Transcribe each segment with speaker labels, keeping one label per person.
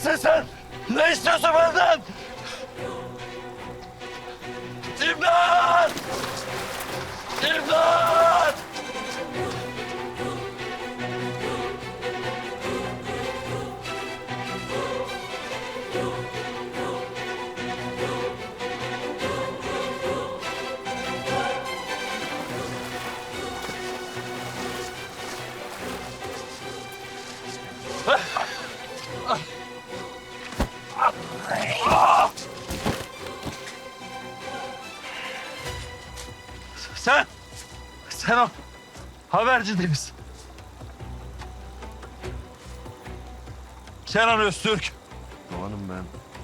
Speaker 1: Kimsin sen? Ne istiyorsun benden? İmdat! İmdat! Sen o haberci değil misin? Kenan Öztürk.
Speaker 2: Doğan'ım ben.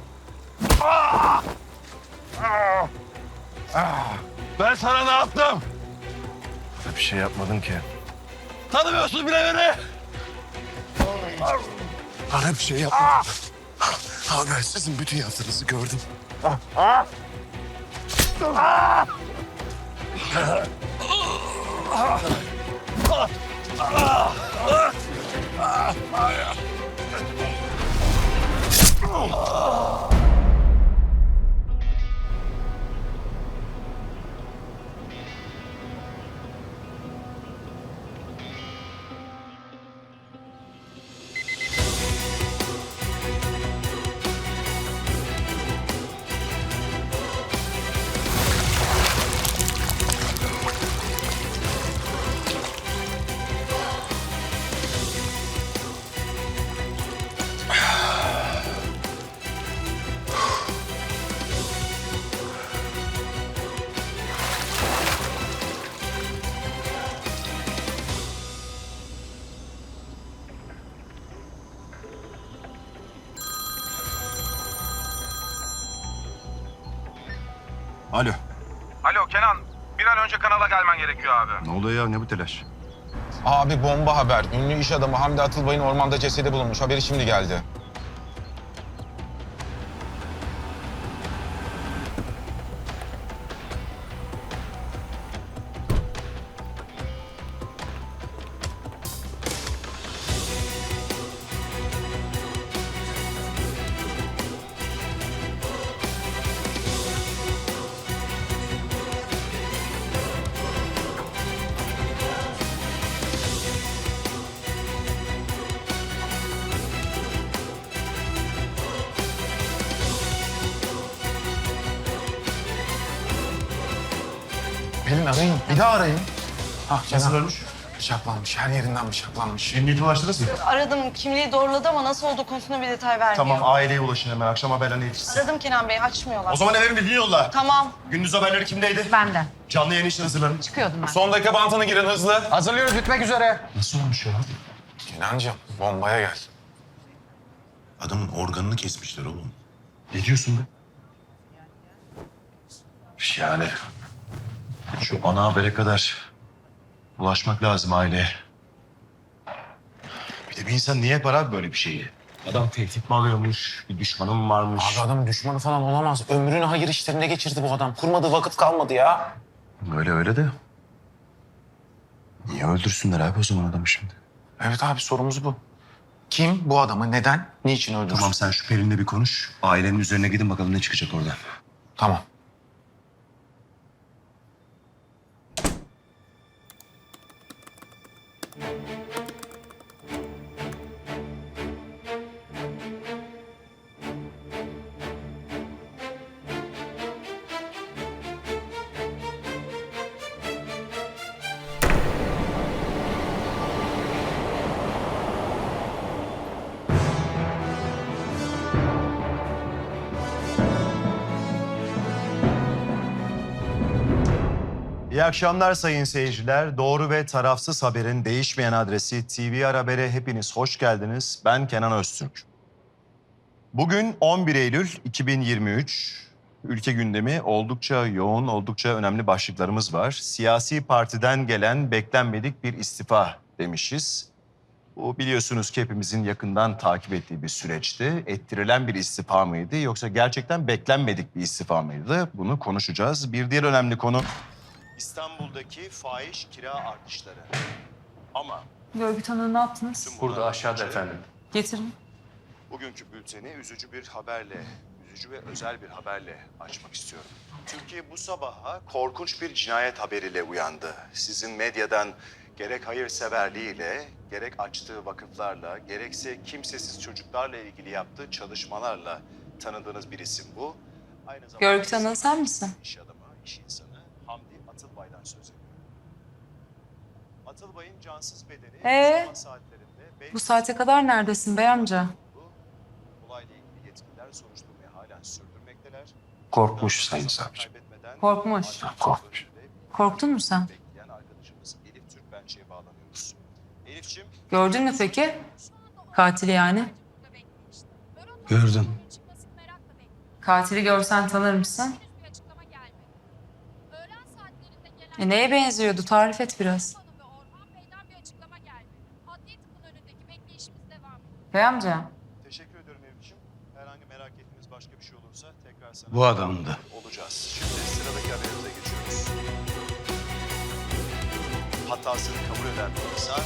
Speaker 1: Ben sana ne yaptım?
Speaker 2: Bir şey yapmadın ki.
Speaker 1: Tanımıyorsun bile beni.
Speaker 2: Bana bir şey yapmadın. Abi ben sizin bütün yaptığınızı gördüm. Alo.
Speaker 3: Alo Kenan, bir an önce kanala gelmen gerekiyor abi.
Speaker 2: Ne oluyor ya? Ne bu telaş?
Speaker 3: Abi bomba haber. Ünlü iş adamı Hamdi Atılbay'ın ormanda cesedi bulunmuş. Haberi şimdi geldi. Pelin arayın. Bir daha arayın.
Speaker 2: Nasıl ölmüş?
Speaker 3: Bıçaklanmış. Her yerinden bıçaklanmış.
Speaker 2: Emniyete ulaştınız mı?
Speaker 4: Aradım, kimliği doğruladı ama nasıl olduğu konusunda bir detay vermiyor.
Speaker 2: Tamam, aileye ulaşın hemen. Akşam haberlerine yetişsin.
Speaker 4: Aradım Kenan Bey, açmıyorlar.
Speaker 2: O zaman eve bildiğin yolla.
Speaker 4: Tamam.
Speaker 2: Gündüz haberleri kimdeydi?
Speaker 5: Benden.
Speaker 2: Canlı yayın için hazırlanın.
Speaker 5: Çıkıyordum ben.
Speaker 3: Son dakika bantını girin hızlı.
Speaker 6: Hazırlıyoruz, bitmek üzere.
Speaker 2: Nasıl olmuş ya?
Speaker 3: Kenancığım, bombaya gel.
Speaker 7: Adamın organını kesmişler oğlum.
Speaker 2: Ne diyorsun be? Yani şu ana habere kadar ulaşmak lazım aileye. Bir de bir insan niye yapar abi böyle bir şeyi? Adam tehdit mi alıyormuş, bir düşmanı mı varmış?
Speaker 6: Abi adam düşmanı falan olamaz. Ömrünü hayır işlerinde geçirdi bu adam. Kurmadığı vakit kalmadı ya.
Speaker 2: Öyle de. Niye öldürsünler abi o zaman adamı şimdi?
Speaker 6: Evet abi sorumuz bu. Kim bu adamı neden, niçin öldürsün?
Speaker 2: Tamam sen şu Pelin'le bir konuş. Ailenin üzerine gidin bakalım ne çıkacak oradan.
Speaker 6: Tamam.
Speaker 2: İyi akşamlar sayın seyirciler. Doğru ve tarafsız haberin değişmeyen adresi TVR Haber'e hepiniz hoş geldiniz. Ben Kenan Öztürk. Bugün 11 Eylül 2023. Ülke gündemi oldukça yoğun, oldukça önemli başlıklarımız var. Siyasi partiden gelen beklenmedik bir istifa demişiz. Bu biliyorsunuz ki hepimizin yakından takip ettiği bir süreçti. Ettirilen bir istifa mıydı yoksa gerçekten beklenmedik bir istifa mıydı? Bunu konuşacağız. Bir diğer önemli konu İstanbul'daki fahiş kira artışları. Ama
Speaker 5: Görgü tanığı ne yaptınız?
Speaker 2: burada aşağıda efendim.
Speaker 5: Getirin.
Speaker 2: Bugünkü bülteni üzücü bir haberle, üzücü ve özel bir haberle açmak istiyorum. Türkiye bu sabaha korkunç bir cinayet haberiyle uyandı. Sizin medyadan gerek hayırseverliğiyle, gerek açtığı vakıflarla, gerekse kimsesiz çocuklarla ilgili yaptığı çalışmalarla tanıdığınız bir isim bu. Aynı zamanda
Speaker 5: Görgü tanığı sen misin?
Speaker 2: İş adamı, iş insanı Hamdi Atılbay'dan söz ediyorum. Atılbay'ın cansız bedeni sabah saatlerinde...
Speaker 5: Bu saate kadar neredesin bey amca?
Speaker 2: Olayla ilgili yetkililer soruşturmayı halen sürdürmekteler.
Speaker 7: Korkmuş Sayın Savcı.
Speaker 5: Korkmuş.
Speaker 7: Korkmuş.
Speaker 5: Korktun mu sen?
Speaker 2: Bekleyen arkadaşımız Elif Türkbençe'ye bağlanıyoruz. Elif'ciğim...
Speaker 5: Gördün mü peki? Katili yani.
Speaker 7: Gördüm.
Speaker 5: Katili görsen tanır mısın? Neye benziyordu? Tarif et biraz. Bey amca.
Speaker 2: Teşekkür ediyorum Elif'ciğim. Herhangi merak ettiğiniz başka bir şey olursa tekrar sana...
Speaker 7: Bu adamdı.
Speaker 2: Olacağız. Şimdi sıradaki haberimize geçiyoruz. Hatasını kabul eden bir insan...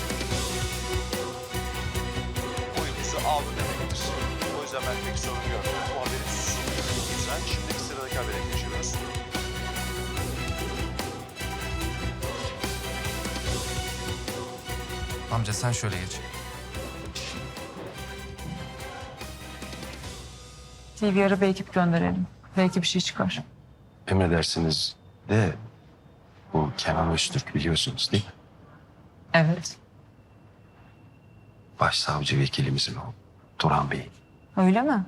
Speaker 2: oyunuzu aldı demektir. O yüzden ben pek sorun görmüyorum. Bu haberi sunuyorum o yüzden. Şimdiki sıradaki habere geçiyoruz.
Speaker 8: Amca sen şöyle geç.
Speaker 5: TVR'a bir ekip gönderelim. Belki bir şey çıkar.
Speaker 7: Emredersiniz de bu Kenan Öztürk biliyorsunuz değil mi?
Speaker 5: Evet.
Speaker 7: Başsavcı vekilimizin o. Turan Bey.
Speaker 5: Öyle mi?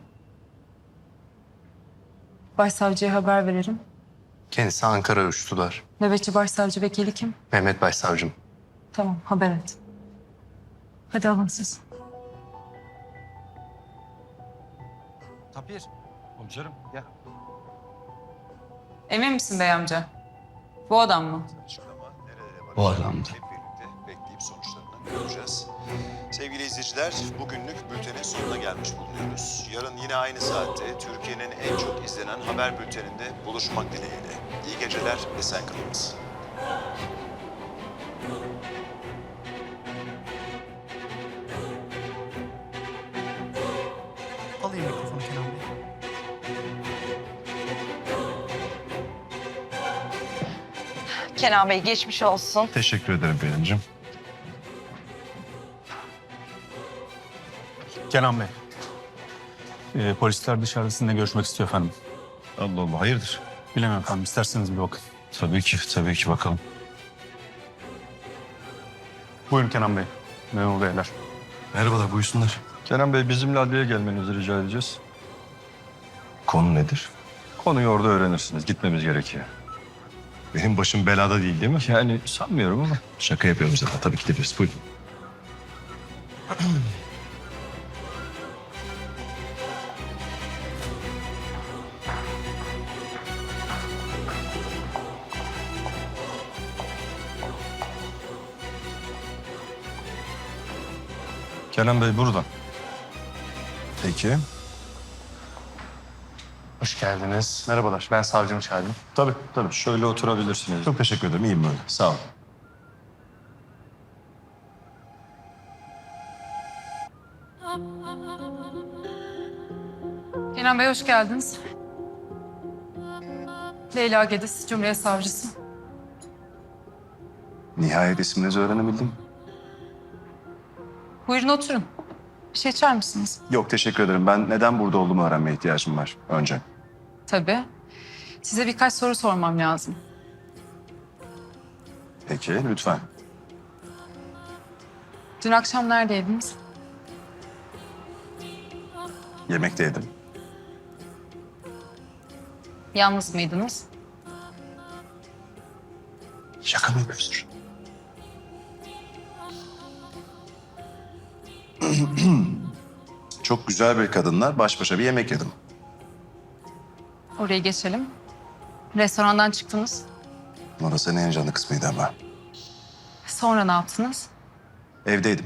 Speaker 5: Başsavcıya haber verelim.
Speaker 9: Kendisi Ankara uçtular.
Speaker 5: Nöbetçi başsavcı vekili kim?
Speaker 9: Mehmet Başsavcım.
Speaker 5: Tamam, haber et. Hadi alın siz.
Speaker 8: Tapir. Komiserim gel.
Speaker 5: Emin misin bey amca? Bu adam mı?
Speaker 2: Açıklama nerelere varacak?
Speaker 7: Bu adamdı.
Speaker 2: Hep birlikte bekleyip sonuçlarını göreceğiz. Sevgili izleyiciler, bugünlük bültenin sonuna gelmiş bulunuyoruz. Yarın yine aynı saatte Türkiye'nin en çok izlenen haber bülteninde buluşmak dileğiyle. İyi geceler, esen kalınız.
Speaker 6: Alayım mikrofonu Kenan Bey.
Speaker 4: Kenan Bey geçmiş olsun.
Speaker 7: Teşekkür ederim Pelin'cim.
Speaker 10: Kenan Bey. Polisler dışarıda sizinle görüşmek istiyor efendim.
Speaker 7: Allah Allah hayırdır?
Speaker 10: Bilemem efendim. İsterseniz bir bakın.
Speaker 7: Tabii ki bakalım.
Speaker 10: Buyurun Kenan Bey. Memur beyler.
Speaker 7: Merhabalar buyursunlar.
Speaker 11: Kenan Bey bizimle adliyeye gelmenizi rica edeceğiz.
Speaker 7: Konu nedir?
Speaker 11: Konuyu orada öğrenirsiniz. Gitmemiz gerekiyor.
Speaker 7: Benim başım belada değil mi?
Speaker 11: Yani sanmıyorum ama.
Speaker 7: Şaka yapıyorum zaten. Tabii ki de biz. Buyurun.
Speaker 11: Kenan Bey buradan.
Speaker 7: Peki.
Speaker 6: Hoş geldiniz. Merhabalar. Ben savcım Şahin.
Speaker 11: Tabii. Şöyle oturabilirsiniz.
Speaker 7: Çok teşekkür ederim. İyiyim böyle. Sağ olun.
Speaker 5: Kenan Bey hoş geldiniz. Leyla Gediz, Cumhuriyet Savcısı.
Speaker 7: Nihayet isminizi öğrenebildim.
Speaker 5: Buyurun oturun. Bir şey içer misiniz?
Speaker 7: Yok teşekkür ederim. Ben neden burada olduğumu öğrenmeye ihtiyacım var önce.
Speaker 5: Tabii. Size birkaç soru sormam lazım.
Speaker 7: Peki lütfen.
Speaker 5: Dün akşam neredeydiniz?
Speaker 7: Yemekteydim.
Speaker 5: Yalnız mıydınız?
Speaker 7: Şaka mı yapıyorsun? Çok güzel bir kadınla baş başa bir yemek yedim.
Speaker 5: Oraya geçelim. Restorandan çıktınız.
Speaker 7: Orası en heyecanlı kısmıydı ama.
Speaker 5: Sonra ne yaptınız?
Speaker 7: Evdeydim.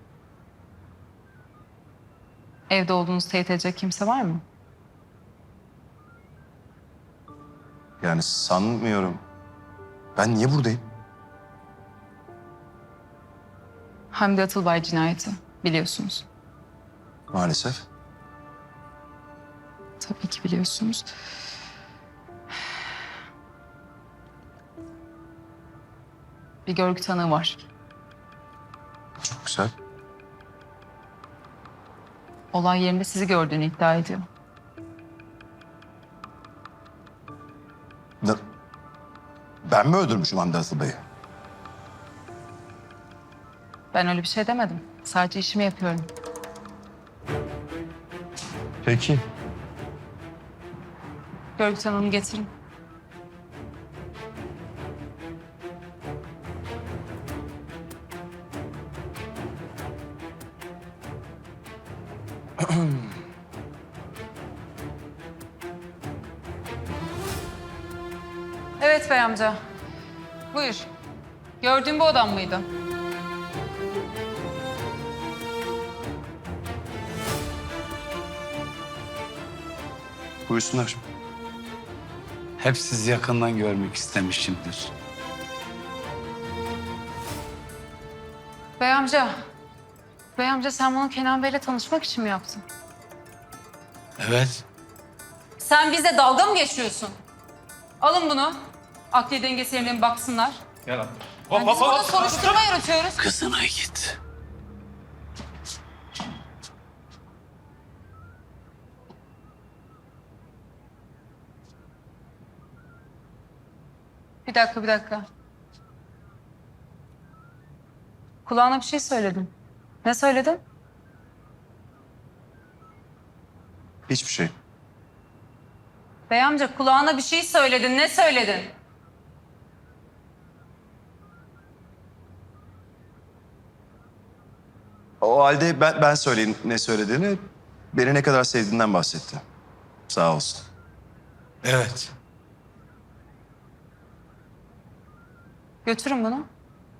Speaker 5: Evde olduğunuzu teyit edecek kimse var mı?
Speaker 7: Yani sanmıyorum. Ben niye buradayım?
Speaker 5: Hamdi Atılbay cinayeti biliyorsunuz.
Speaker 2: Maalesef.
Speaker 5: Tabii ki biliyorsunuz. Bir görgü tanığı var.
Speaker 2: Çok güzel.
Speaker 5: Olay yerinde sizi gördüğünü iddia ediyor.
Speaker 2: Ben mi öldürmüşüm Hamdi Atılbay'ı?
Speaker 5: Ben öyle bir şey demedim. Sadece işimi yapıyorum.
Speaker 2: Peki.
Speaker 5: Görgü tanığını getirin. Evet bey amca. Buyur. Gördüğün bu adam mıydı?
Speaker 2: Buyursunlar.
Speaker 7: Hep sizi yakından görmek istemişimdir.
Speaker 5: Bey amca. Bey amca sen bunu Kenan Bey'le tanışmak için mi yaptın?
Speaker 7: Evet.
Speaker 5: Sen bize dalga mı geçiyorsun? Alın bunu. Akli dengesi yerine bir baksınlar.
Speaker 10: Gel abi.
Speaker 5: Yani biz burada soruşturma yürütüyoruz.
Speaker 7: Kızına git.
Speaker 5: Bir dakika, bir dakika. Kulağına bir şey söyledim. Ne söyledin?
Speaker 2: Hiçbir şey.
Speaker 5: Bey amca kulağına bir şey söyledin. Ne söyledin?
Speaker 2: O halde ben söyleyeyim ne söylediğini. Beni ne kadar sevdiğinden bahsetti. Sağ olsun.
Speaker 7: Evet.
Speaker 5: Götürün bunu.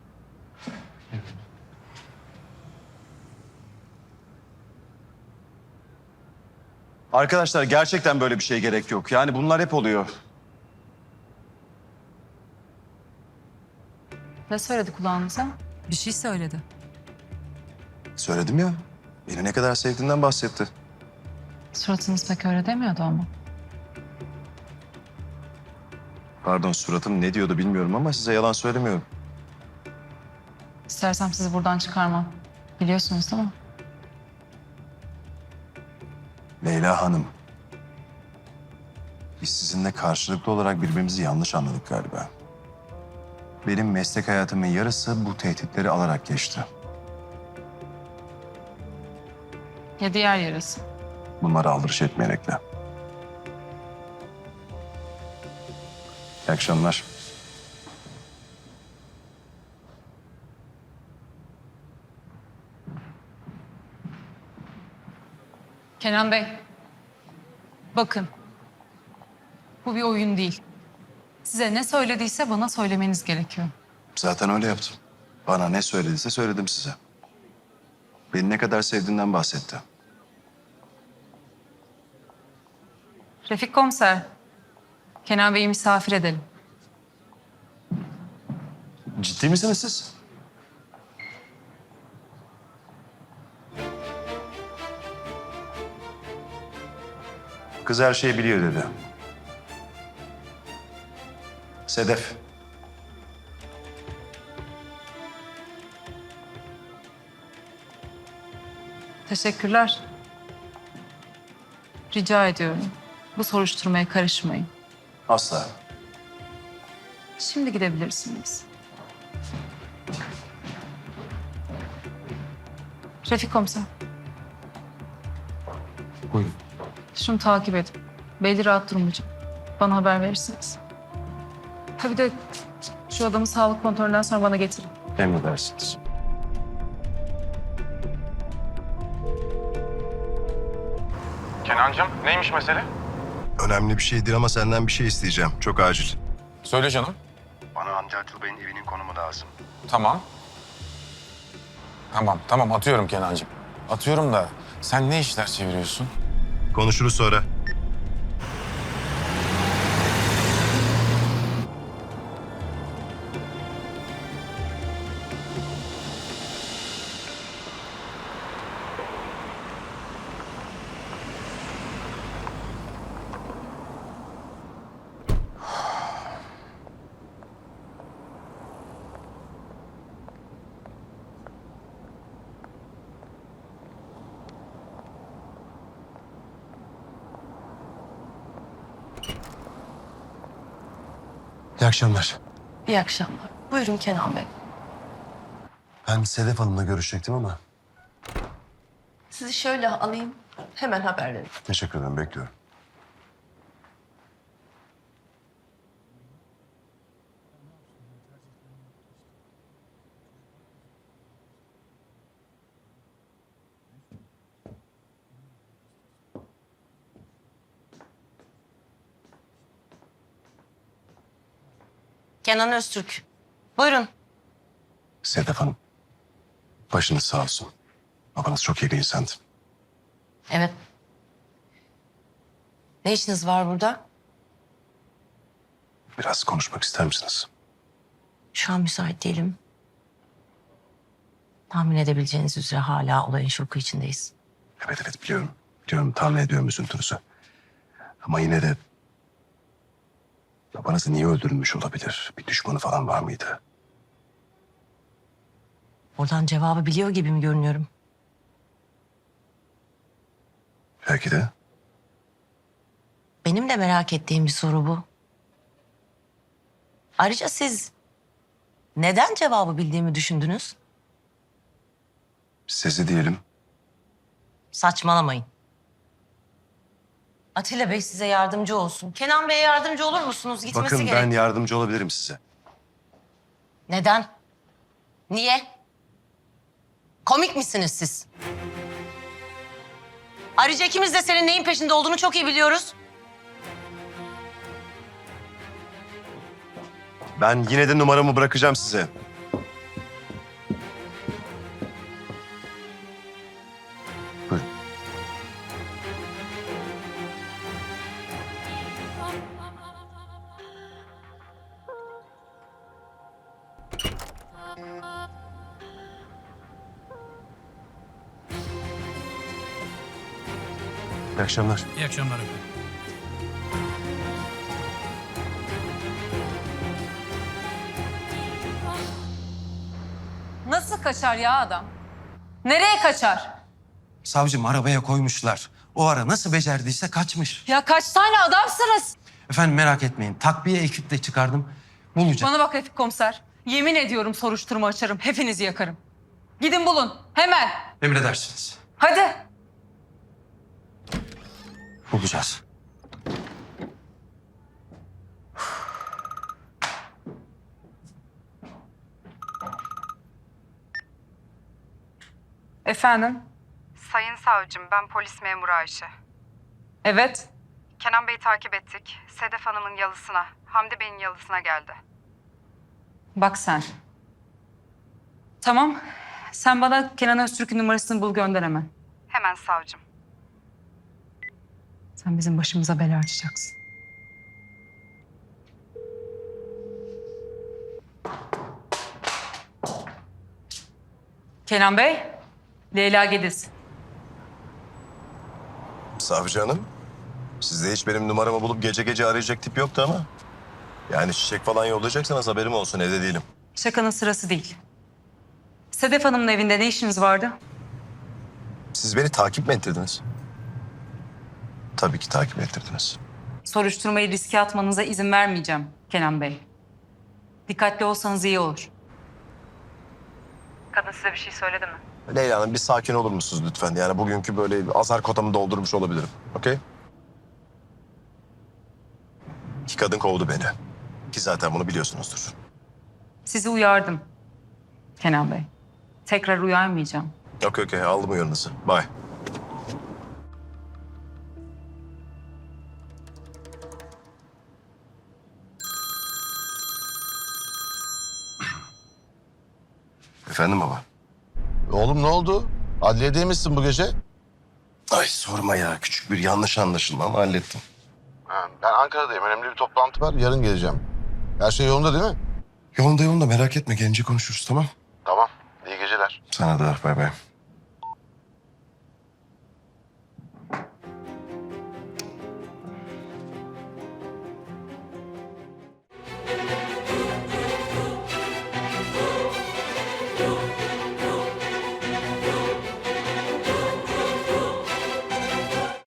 Speaker 2: Arkadaşlar gerçekten böyle bir şeye gerek yok. Yani bunlar hep oluyor.
Speaker 5: Ne söyledi kulağınıza? Bir şey söyledi.
Speaker 2: Söyledim ya. Beni ne kadar sevdiğinden bahsetti.
Speaker 5: Suratınız pek öyle demiyordu ama.
Speaker 2: Pardon suratım ne diyordu bilmiyorum ama size yalan söylemiyorum.
Speaker 5: İstersem sizi buradan çıkarmam. Biliyorsunuz değil mi?
Speaker 2: Leyla Hanım. Biz sizinle karşılıklı olarak birbirimizi yanlış anladık galiba. Benim meslek hayatımın yarısı bu tehditleri alarak geçti.
Speaker 5: Ya diğer yarısı.
Speaker 2: Bunlara aldırış etmeyerekle. İyi akşamlar.
Speaker 5: Kenan Bey. Bakın. Bu bir oyun değil. Size ne söylediyse bana söylemeniz gerekiyor.
Speaker 2: Zaten öyle yaptım. Bana ne söylediyse söyledim size. Beni ne kadar sevdiğinden bahsetti.
Speaker 5: Refik Komiser. Kenan Bey'i misafir edelim.
Speaker 2: Ciddi misiniz siz? Kız her şeyi biliyor dedi. Sedef.
Speaker 5: Teşekkürler. Rica ediyorum. Bu soruşturmaya karışmayın.
Speaker 2: Asla.
Speaker 5: Şimdi gidebilirsiniz. Refik Komiser.
Speaker 7: Buyurun.
Speaker 5: Şunu takip edin. Belli rahat durmayacağım. Bana haber verirsiniz. Ha bir de şu adamı sağlık kontrolünden sonra bana getirin.
Speaker 7: Emredersiniz.
Speaker 3: Kenancığım neymiş mesele?
Speaker 2: Önemli bir şeydir ama senden bir şey isteyeceğim. Çok acil.
Speaker 3: Söyle canım.
Speaker 2: Bana Hamdi Atılbay'ın evinin konumu lazım.
Speaker 3: Tamam. Tamam atıyorum Kenancığım. Atıyorum da sen ne işler çeviriyorsun?
Speaker 2: Konuşuruz sonra.
Speaker 9: İyi akşamlar.
Speaker 4: İyi akşamlar. Buyurun Kenan Bey.
Speaker 9: Ben Sedef Hanım'la görüşecektim ama
Speaker 4: Sizi şöyle alayım. Hemen haber verin.
Speaker 9: teşekkür ederim, bekliyorum.
Speaker 4: Kenan Öztürk. Buyurun.
Speaker 9: Sedef Hanım, başınız sağ olsun. Babanız çok iyi bir insandı.
Speaker 4: Evet. Ne işiniz var burada?
Speaker 9: Biraz konuşmak ister misiniz?
Speaker 4: Şu an müsait değilim. Tahmin edebileceğiniz üzere hala olayın şoku içindeyiz.
Speaker 9: Evet biliyorum. Biliyorum, tahmin ediyorum üzüntünüzü. Ama yine de babanızı niye öldürülmüş olabilir? Bir düşmanı falan var mıydı?
Speaker 4: Oradan cevabı biliyor gibi mi görünüyorum?
Speaker 9: Belki de.
Speaker 4: Benim de merak ettiğim bir soru bu. Ayrıca siz neden cevabı bildiğimi düşündünüz?
Speaker 9: Sizi diyelim.
Speaker 4: Saçmalamayın. Atilla Bey size yardımcı olsun. Kenan Bey'e yardımcı olur musunuz? Gitmesi
Speaker 9: Bakın
Speaker 4: gerek.
Speaker 9: ben yardımcı olabilirim size.
Speaker 4: Neden? Niye? Komik misiniz siz? Ayrıca ikimiz de senin neyin peşinde olduğunu çok iyi biliyoruz.
Speaker 9: Ben yine de numaramı bırakacağım size. Buyurun. İyi akşamlar.
Speaker 8: İyi akşamlar efendim.
Speaker 5: Nasıl kaçar ya adam? Nereye kaçar?
Speaker 8: Savcım arabaya koymuşlar. O ara nasıl becerdiyse kaçmış.
Speaker 5: Ya kaç tane adamsınız?
Speaker 8: Efendim merak etmeyin. Takviye ekiple çıkardım. Bulacağım.
Speaker 5: Bana bak Refik komiser. Yemin ediyorum soruşturma açarım. Hepinizi yakarım. Gidin bulun. Hemen.
Speaker 8: Emredersiniz.
Speaker 5: Hadi.
Speaker 8: Bulacağız.
Speaker 5: Efendim?
Speaker 12: Sayın savcım, ben polis memuru Ayşe.
Speaker 5: Evet.
Speaker 12: Kenan Bey'i takip ettik. Sedef Hanım'ın yalısına, Hamdi Bey'in yalısına geldi.
Speaker 5: Bak sen. Tamam. Sen bana Kenan Öztürk'ün numarasını bul gönder hemen.
Speaker 12: Hemen savcım.
Speaker 5: Sen bizim başımıza bela açacaksın. Kenan Bey, Leyla Gediz.
Speaker 9: Savcı hanım, sizde hiç benim numaramı bulup gece gece arayacak tip yoktu ama. Yani çiçek falan yollayacaksanız haberim olsun, evde değilim.
Speaker 5: Şakanın sırası değil. Sedef Hanım'ın evinde ne işiniz vardı?
Speaker 9: Siz beni takip mi ettirdiniz? Tabii ki takip ettirdiniz.
Speaker 5: Soruşturmayı riske atmanıza izin vermeyeceğim Kenan Bey. Dikkatli olsanız iyi olur. Kadın size bir şey söyledi mi?
Speaker 9: Leyla Hanım bir sakin olur musunuz lütfen? Yani bugünkü böyle azar kotamı doldurmuş olabilirim. Okey? İki kadın kovdu beni. Ki zaten bunu biliyorsunuzdur.
Speaker 5: Sizi uyardım Kenan Bey. Tekrar uyarmayacağım.
Speaker 9: Okey aldım uyarınızı. Bye. Efendim baba?
Speaker 13: Oğlum ne oldu? Adliyedeymişsin bu gece.
Speaker 9: Ay sorma ya. Küçük bir yanlış anlaşılma ama hallettim.
Speaker 13: Ben Ankara'dayım. Önemli bir toplantı var. Yarın geleceğim. Her şey yolunda değil mi?
Speaker 9: Yolunda merak etme. Gelince konuşuruz tamam?
Speaker 13: Tamam. İyi geceler.
Speaker 9: Sana da bay bay.